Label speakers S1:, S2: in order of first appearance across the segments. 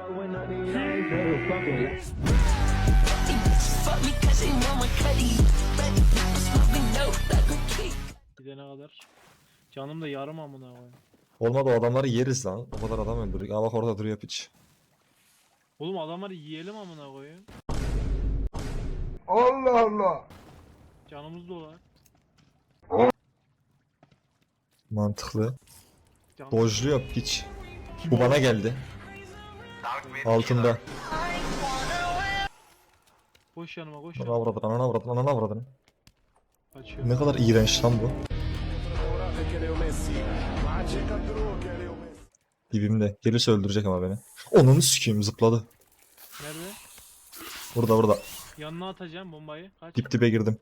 S1: Gidene kadar. Canım da yarım amına koyayım.
S2: Olmadı, o adamları yeriz lan. O kadar adam öldürdük. Aa bak orada duruyor piç.
S1: Oğlum adamları yiyelim amına koyayım.
S3: Allah Allah.
S1: Canımız dolar.
S2: Mantıklı.
S1: Canım...
S2: Dojluyor piç. Bu bana geldi. Altında.
S1: Koş yanıma koş
S2: Ananı
S1: yanıma.
S2: avradın, ananı avradın, ananı avradın.
S1: Kaçıyor.
S2: Ne kadar iğrenç lan bu. Dibimde. Gelirse öldürecek ama beni. Onunu sikeyim, zıpladı.
S1: Nerede?
S2: Burada.
S1: Yanına atacağım bombayı. Kaç.
S2: Dip dibe girdim.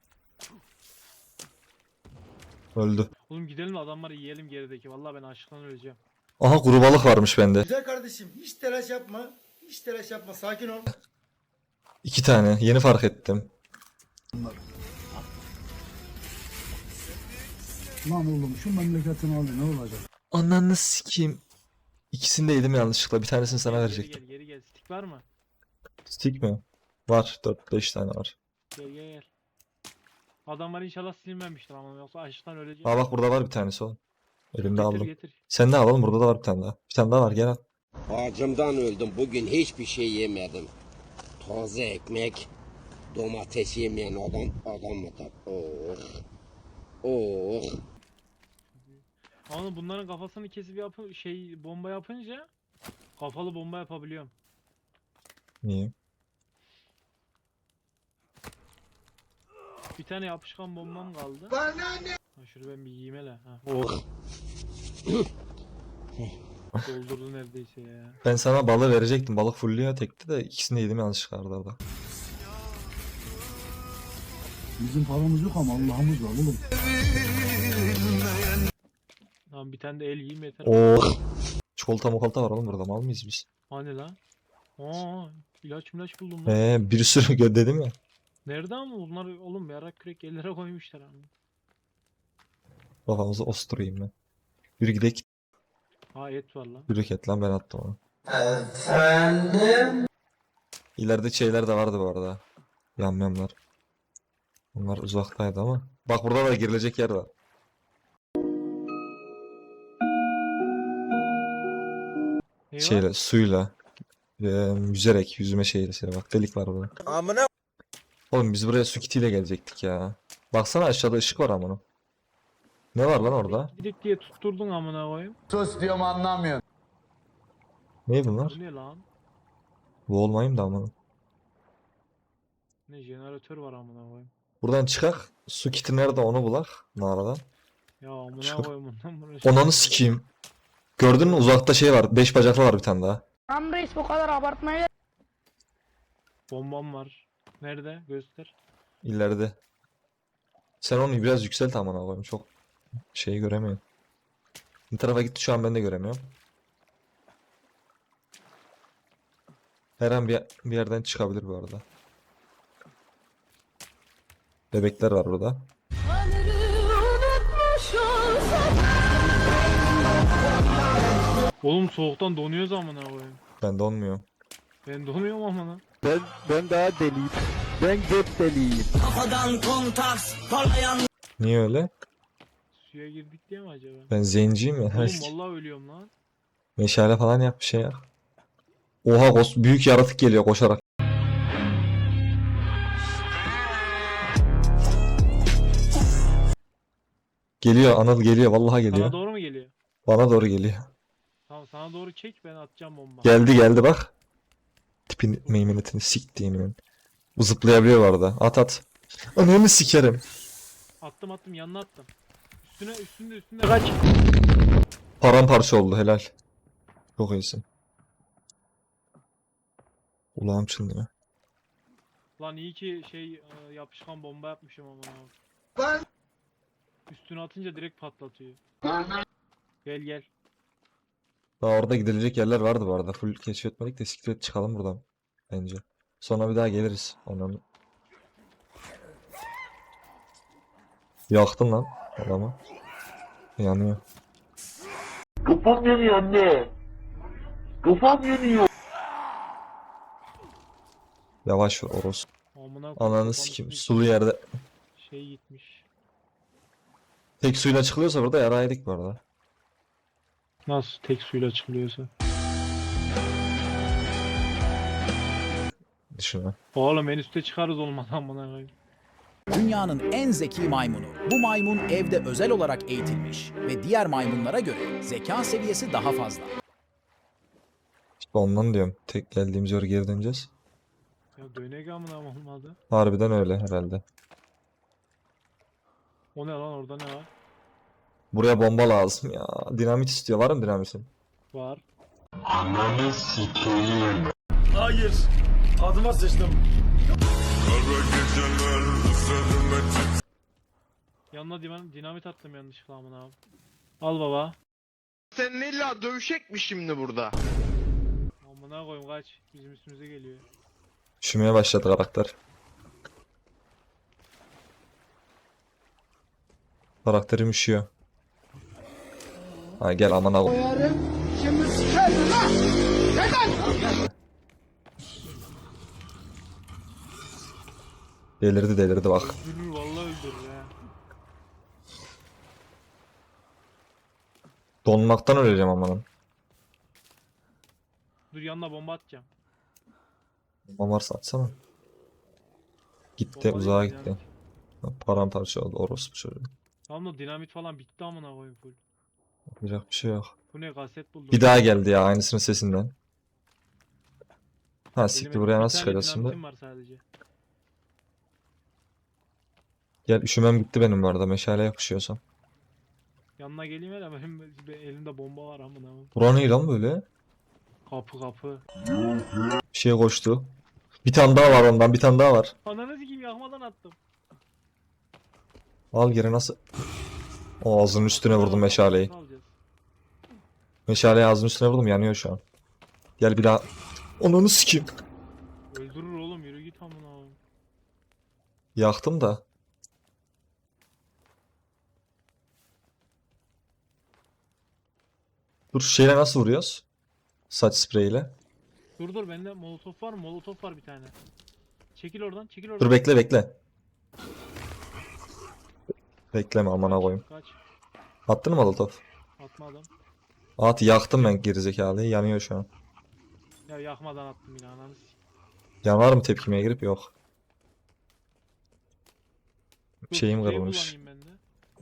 S2: Öldü.
S1: Oğlum gidelim de adamları yiyelim gerideki. Vallahi ben açlıktan öleceğim.
S2: Aha kuru balık varmış bende.
S3: Güzel kardeşim, hiç telaş yapma. Hiç telaş yapma, sakin ol.
S2: 2 tane. Yeni fark ettim.
S4: Lan oğlum şu memleketin hali ne olacak?
S2: Ananı sikeyim. İkisini de yedim yanlışlıkla. Bir tanesini sana
S1: Gel,
S2: verecektim.
S1: Geri gel. Stick var mı?
S2: Stick mi? Var. 4-5 tane var.
S1: Gel. Adamlar inşallah silinmemiştir ama yoksa açlıktan öleceğim.
S2: Aa bak burada var bir tanesi o. Elimde aldım.
S1: Getir.
S2: Sen de alalım, burada da var bir tane daha. Bir tane daha var, gel al.
S5: Acımdan öldüm. Bugün hiçbir şey yemedim. Taze ekmek, domates yemeyen adam mıdır? Oh. Oh.
S1: Ama bunların kafasını kesip bomba yapınca kafalı bomba yapabiliyorum.
S2: Niye?
S1: Bir tane yapışkan bombam kaldı. Ha, şunu ben bir yiyeyim hele. Ha.
S5: Oh.
S1: Doldurdu neredeyse ya.
S2: Ben sana balığı verecektim. Balık fullüyor tekti de ikisini de yedim yanlışlıkla arada.
S4: Bizim paramız yok ama Allah'ımız var oğlum.
S1: Tamam bir tane de el yiyeyim yeter.
S2: Oh. Çikolata mokolata var oğlum burada, mal mıyız biz?
S1: Hani lan? Aa, ilaç buldum lan.
S2: Bir sürü dedim ya.
S1: Nerede ama bunlar oğlum yarak kürek ellere koymuşlar ama.
S2: Kafamızı osturayım ben. Yürü gidelim.
S1: Ha et var lan.
S2: Yürü et lan, ben attım onu. Efendim? İleride şeyler de vardı bu arada. Yamyamlar. Onlar uzaktaydı ama. Bak burada da girilecek yer var.
S1: Ne var?
S2: Şeyle, suyla. Yüzerek, yüzme şeyle. Bak delik var burada.
S3: Amına.
S2: Oğlum biz buraya su kitiyle gelecektik ya. Baksana aşağıda ışık var amına. Ne var lan orada?
S1: Gidik diye tutturdun amına koyayım.
S3: Sus diyorum anlamıyorsun.
S2: Ne bunlar?
S1: Bu ne lan?
S2: Bu olmayayım da amına.
S1: Ne jeneratör var amına koyayım.
S2: Buradan çıkak. Su kiti nerede onu bulak. Mağaradan.
S1: Ya amına
S2: Çıkar.
S1: koyayım bundan buraya.
S2: Onanı sikeyim. Gördün mü uzakta şey var. 5 bacaklı var bir tane daha.
S6: Tam reis bu kadar abartmaya
S1: Bombam var. Nerede? Göster.
S2: İleride. Sen onu biraz yükselt amına koyayım. Çok şeyi göremiyorum. Bir tarafa gitti, şu an ben de göremiyorum. Her an bir yerden çıkabilir bu arada. Bebekler var burada.
S1: Oğlum soğuktan donuyoruz amına koyayım.
S2: Ben donmuyor.
S1: Ben donuyorum amına.
S4: Ben daha deliyim. Ben göt deliyim.
S2: Niye öyle?
S1: Suya girdik diye mi acaba?
S2: Ben zenciyim ya.
S1: Oğlum vallahi ölüyorum lan.
S2: Meşale falan yap, bir şey yap. Oha büyük yaratık geliyor koşarak. Geliyor Anıl, geliyor vallahi geliyor.
S1: Sana doğru mu geliyor?
S2: Bana doğru geliyor.
S1: Tamam sana doğru çek ben atacağım bomba.
S2: Geldi bak. Tipin meymenetini siktiğini ben. Bu zıplayabiliyor bu arada. At. Ananı sikerim.
S1: Attım yanına attım. Üstünde kaç.
S2: Paramparça oldu, helal. Çok iyisin. Ulağım çınlıyor.
S1: Lan iyi ki yapışkan bomba yapmışım ama.
S3: Ben.
S1: Üstüne atınca direkt patlatıyor. Gel.
S2: Daha orada gidilecek yerler vardı bu arada. Full keşfetmedik de siktir et çıkalım buradan. Bence. Sonra bir daha geliriz. Ondan. Yaktın lan adamı. Yanıyor.
S7: Kafam yanıyor anne. Kafam yanıyor.
S2: Yavaş vur Oros.
S1: Amına koyayım,
S2: Ananı
S1: kafanın
S2: sikim.
S1: üstüne
S2: Sulu yerde.
S1: şey gitmiş.
S2: Tek suyla çıkılıyorsa burada yaraydık bu arada.
S1: Nasıl tek suyla çıkılıyorsa.
S2: Düşünme.
S1: Oğlum en üstte çıkarız olmadan amına koyayım.
S7: Dünyanın en zeki maymunu. Bu maymun evde özel olarak eğitilmiş ve diğer maymunlara göre zeka seviyesi daha fazla.
S2: İşte ondan diyorum. Tek geldiğimiz yere geri döneceğiz.
S1: Ya dönek amına olmadı.
S2: Harbiden öyle herhalde.
S1: O ne lan, orada ne var?
S2: Buraya bomba lazım ya. Dinamit istiyor. Var mı dinamitin?
S1: Var.
S3: Hayır. Adıma sıçtım.
S1: Yanına dinamit attım yanlışlıkla amına abi. Al baba.
S8: Senin illa dövüşecek mi şimdi burada?
S1: Amına koyayım kaç. Bizim üstümüze geliyor.
S2: Üşümeye başladı karakter. Karakterim üşüyor. Ha gel aman al. Delirdi bak.
S1: Öldürür vallahi öldürür ha.
S2: Donmaktan öleceğim amanın.
S1: Dur yanına bomba atacağım.
S2: Bomba varsa atsana. Gitti
S1: Bomba
S2: uzağa
S1: değil,
S2: gitti. Paramparça oldu orospu çocuğu.
S1: Tamam da dinamit falan bitti amına koyayım full.
S2: Yapacak bir şey yok.
S1: Bu ne, kaset buldum.
S2: Bir daha geldi ya aynısının sesinden. Ha siktir
S1: Benim
S2: buraya
S1: bir
S2: nasıl
S1: tane
S2: çıkacağız şimdi?
S1: dinamitim var sadece.
S2: Gel üşümem gitti benim bu arada meşale yapışıyorsam.
S1: Yanına geleyim hele, benim elimde bomba var amına koyayım.
S2: Bura ne lan böyle?
S1: Kapı.
S2: Bir şey koştu. Bir tane daha var ondan bir tane daha var.
S1: Ananı sikeyim, yakmadan attım.
S2: Al geri nasıl? O ağzının üstüne vurdum meşaleyi.
S1: Nasıl alacağız?
S2: Meşaleyi ağzının üstüne vurdum yanıyor şu an. Gel bir daha. Onunu sikeyim.
S1: Öldürür oğlum, yürü git amına koyayım.
S2: Yaktım da. Dur şeyle nasıl vuruyoruz? Saç spreyiyle.
S1: Dur bende molotof var mı? Molotof var bir tane. Çekil oradan, çekil oradan.
S2: Dur bekle. Bekleme amına koyayım.
S1: Kaç.
S2: Attın mı molotof?
S1: Atma adam.
S2: At yaktım ben gerizekalıyı yanıyor şu an.
S1: Ya yakmadan attım yine, ananı sikeyim.
S2: Yanar mı tepkimeye girip yok.
S1: Dur,
S2: Şeyim
S1: sprey
S2: kırılmış.
S1: kullanayım ben de.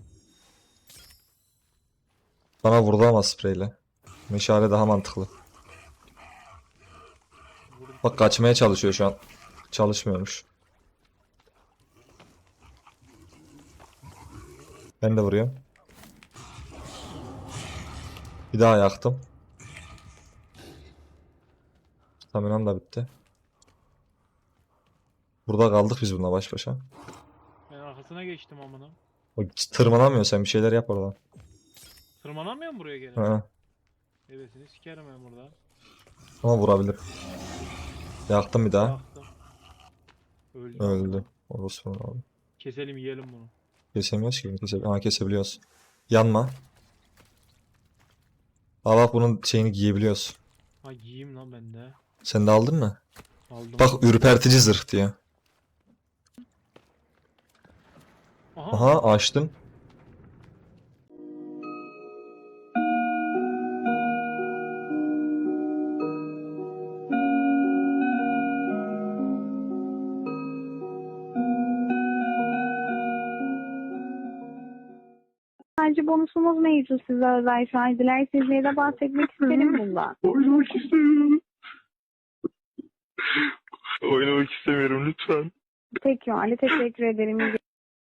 S2: Bana vurdu ama spreyle. Meşale daha mantıklı.
S1: Vurdum.
S2: Bak kaçmaya çalışıyor şu an. Çalışmıyormuş. Ben de vuruyorum. Bir daha yaktım. Staminam da bitti. Burada kaldık biz bununla baş başa.
S1: Ben arkasına geçtim amına.
S2: O tırmanamıyor sen bir şeyler yap oradan.
S1: Tırmanamıyor mu buraya gene?
S2: Ha.
S1: Evesini sikerim ben burada.
S2: Ama vurabilir. Yaktım bir daha.
S1: Yaktım. Öldü.
S2: Öldü. Orospu abi.
S1: Keselim, yiyelim bunu.
S2: Kesemiyoruz ki. Kesebiliyoruz. Yanma. Aa bak bunun şeyini giyebiliyoruz.
S1: Ha giyeyim lan ben de.
S2: Sen de aldın mı?
S1: Aldım.
S2: Bak ürpertici zırh diyor.
S1: Aha.
S2: Aha açtın.
S9: Sadece bonusumuz mevcut size özel şu an. Dilerseniz de bahsetmek isterim bundan.
S4: Oynamak istemiyorum. Oynamak istemiyorum lütfen.
S9: Peki o halde teşekkür ederim.